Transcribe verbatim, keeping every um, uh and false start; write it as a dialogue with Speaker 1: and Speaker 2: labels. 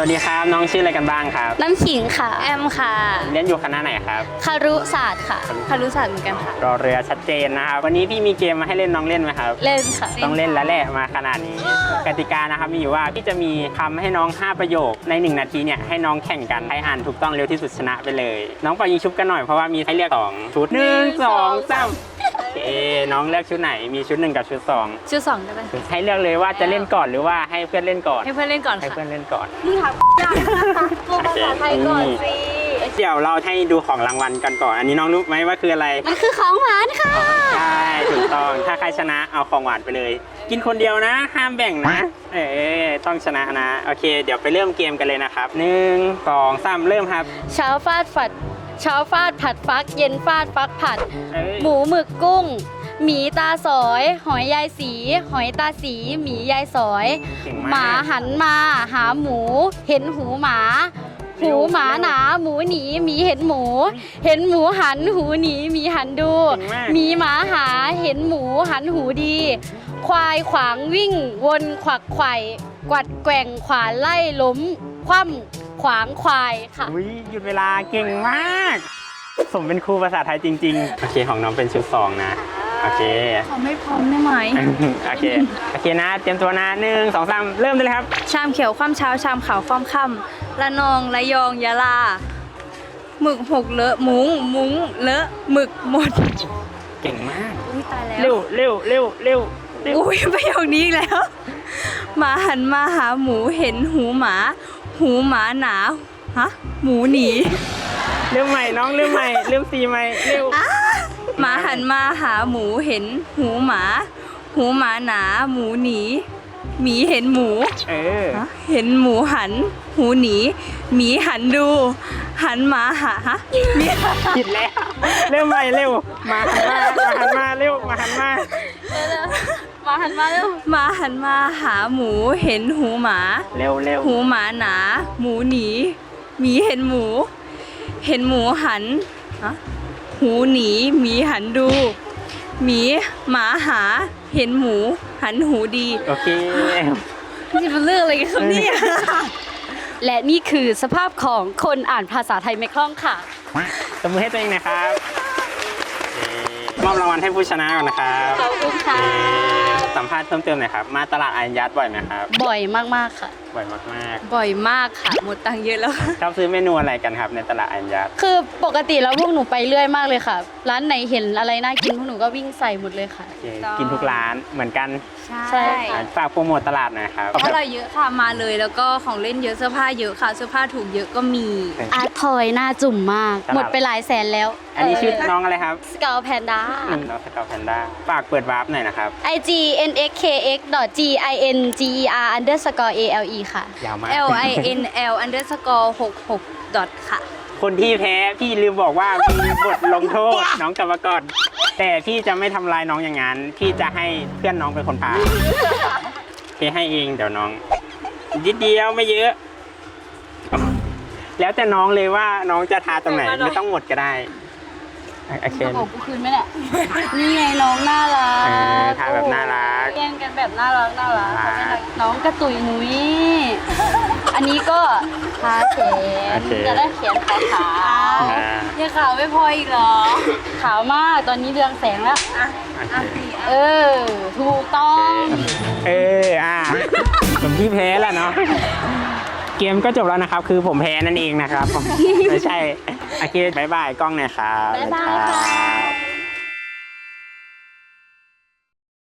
Speaker 1: วัสดีครับน้องชื่ออะไรกันบ้างครับ
Speaker 2: น้ำขิงค่ะแอมค่ะ
Speaker 1: เรียนอยู่คณะไหนครับ
Speaker 2: คารุศาสตร์ค่ะคารุศาสตร์เหมือนกันค่ะ
Speaker 1: รอเรือชัดเจนนะครับวันนี้พี่มีเกมมาให้เล่นน้องเล่นไหมครับ
Speaker 2: เล่นค่ะ
Speaker 1: ต้องเล่นแล้วแหละมาขนาดนี้กติกานะครับมีอยู่ว่าพี่จะมีคำให้น้องห้าประโยคในหนึ่งนาทีเนี่ยให้น้องแข่งกันใครอ่านถูกต้องเร็วที่สุดชนะไปเลยน้องปล่อยยิงชุบกันหน่อยเพราะว่ามีให้เลือกสองชุดหนึ่งสองสามโอเคน้องเลือกชุดไหนมีชุดหนึ่งกับชุดสอง
Speaker 2: ชุดสองได้ไหม
Speaker 1: ให้เลือกเลยว่าจะเล่นก่อนหรือว่าให้เพื่อนเล่นก่อน
Speaker 2: ให้เพื่อนเล่นก่อน
Speaker 1: ให้
Speaker 2: ค่ะ
Speaker 1: เพื่อนเล่นก่อน
Speaker 2: มึงถามยากตัวภาษาไทยก่อนสิ
Speaker 1: เดี๋ยวเราให้ดูของรางวัลกันก่อนอันนี้น้องรู้ไหมว่าคืออะไร
Speaker 2: มันคือของหวานค่ะ
Speaker 1: ใช่ถูกต้องถ้าใครชนะเอาของหวานไปเลยกินคนเดียวนะห้ามแบ่งนะเออต้องชนะนะโอเคเดี๋ยวไปเริ่มเกมกันเลยนะครับหนึ่งสองสามเริ่มครับ
Speaker 2: เช้าฟาดฝัดเช้าฟาดผัดฟักเย็นฟาดฟักผัดหมูหมึกกุ้งหมีตาสอยหอยยายสีหอยตาสีหมียายสอยหมาหันมาหาหมูเห็นหูหมาหูหมาหนาหมูหนีหมีเห็นหมูเห็นหมูหันหูหนีหมีหันดูหมีหมาหาเห็นหมูหันหูดีควายขวางวิ่งวนขวักไขว่กวัดแกว่งขวานไล่ล้มคว่ำขวางควายค่ะ
Speaker 1: อุ้ยหยุดเวลาเก่งมากสมเป็นครูภาษาไทยจริงๆโอเคของน้องเป็นชุดสองนะโอเค
Speaker 2: เขาไม่พร้อมได้ไหม
Speaker 1: โอเคโอเคนะเตรียมตัวนะหนึ่งสองสามเริ่มได้เลยครับ
Speaker 2: ชามเขียวคว่ำเช้าชามขาวคว่ำค่ำละนองระยองยะลาหมึกหกเลอะมุ้งมุ้งเลอะหมึกหมด
Speaker 1: เก่งมาก
Speaker 2: อุ้ยตายแล้ว
Speaker 1: เร็วเร็วเร็วเร็ว
Speaker 2: อุ้ยประโยคนี้อีกแล้วหมาหันมาหาหมูเห็นหูหมาหูหมาหนาฮะหมูหนี
Speaker 1: เริ่มใหม่น้องเริ่มใหม่เริ่มซีใหม่เร็ว
Speaker 2: หมาหันมาหาหมูเห็นหูหมาหูหมาหนาหมูหนีหมีเห็นหมู
Speaker 1: เออ
Speaker 2: เห็นหมูหันหูหนีหมีหันดูหันหมาหาฮะ
Speaker 1: ผิดแล้วเริ่มใหม่เร็วมาหันมามาหันมาเร็วมาหันมา
Speaker 2: มาหันมาเร็วมาหันมาหาหมูเห็นหูหมา
Speaker 1: เร็วเร็ว
Speaker 2: หูหมาหนาหมูหนีหมีเห็นหมูเห็นหมูหันฮะหูหนีหมีหันดูหมีหมาหาเห็นหมูหันหูดี
Speaker 1: โอเค
Speaker 2: นี่เป็นเรื่องอะไรกันครับเนี่ยและนี่คือสภาพของคนอ่านภาษาไทยไม่คล่องค่ะ
Speaker 1: ตบมือให้ตัวเองนะครับมอบรางวัลให้ผู้ชนะก่อนนะครับ
Speaker 2: ขอบคุณค่ะ
Speaker 1: สัมภาษณ์เพิ่มเติมหน่อยครับมาตลาดอายัดบ่อยไหมครับ
Speaker 2: บ่อยมากๆค่ะ
Speaker 1: บ่อยมาก
Speaker 2: ๆบ่อยมากค่ะหมดตังค์เยอะแล้ว
Speaker 1: ชอบซื้อเมนูอะไรกันครับในตลาดอายัด
Speaker 2: คือปกติแล้วพวกหนูไปเรื่อยมากเลยค่ะร้านไหนเห็นอะไรน่ากินพวกหนูก็วิ่งใส่หมดเลยค่ะ
Speaker 1: กินทุกร้านเหมือนกัน
Speaker 2: ใช่
Speaker 1: ฝากโปรโมทตลาดหน่อยครับ
Speaker 2: อะไรเยอะค่ะมาเลยแล้วก็ของเล่นเยอะเสื้อผ้าเยอะค่ะเสื้อผ้าถูกเยอะก็มีอาร์ตทอยหน้าจุ่มมากหมดไปหลายแสนแล้ว
Speaker 1: อันนี้ชื่อน้องอะไรครับ
Speaker 2: สกาวแพนด้า
Speaker 1: น้องสกาวแพนด้าฝากเปิดวาร์ปหน่อยนะครับ
Speaker 2: ไอ จี เอ็น เอ็ก เค เอ็กซ์ ดอท จี ไอ เอ็น จี อี อาร์ underscore เอ แอล อี ค่ะ
Speaker 1: ยาวมาก
Speaker 2: L I N L underscore หกสิบหก ดอทค่ะ
Speaker 1: คนที่แพ้พี่ลืมบอกว่ามีบทลงโทษน้องกลับมาก่อนแต่พี่จะไม่ทำลายน้องอย่างนั้นพี่จะให้เพื่อนน้องเป็นคนพาพี่ให้เองเดี๋ยวน้องนิดเดียวไม่เยอะแล้วแต่น้องเลยว่าน้องจะทาตรงไหนไม่ต้องหมดก็ได้โอเค
Speaker 2: บอกกูคืนไหมเนี่ยนี่ไงน้องน่ารัก
Speaker 1: ทาแบบน่ารัก
Speaker 2: เล่นกันแบบน่ารักน่ารักน้องกระตุยนุ้ยอันนี้ก็ทาแขนจะได้แขนขาวๆยังขาวไม่พออีกเหรอขาวมากตอนนี้เรืองแสงแล้วเออถูกต้อง
Speaker 1: เอออ่ะผมที่แพ้แล้วเนาะเกมก็จบแล้วนะครับคือผมแพ้นั่นเองนะครับไม่ใช่โอเคบายบายกล้องหน่อยครับ
Speaker 2: บ๊ายบายค่ะ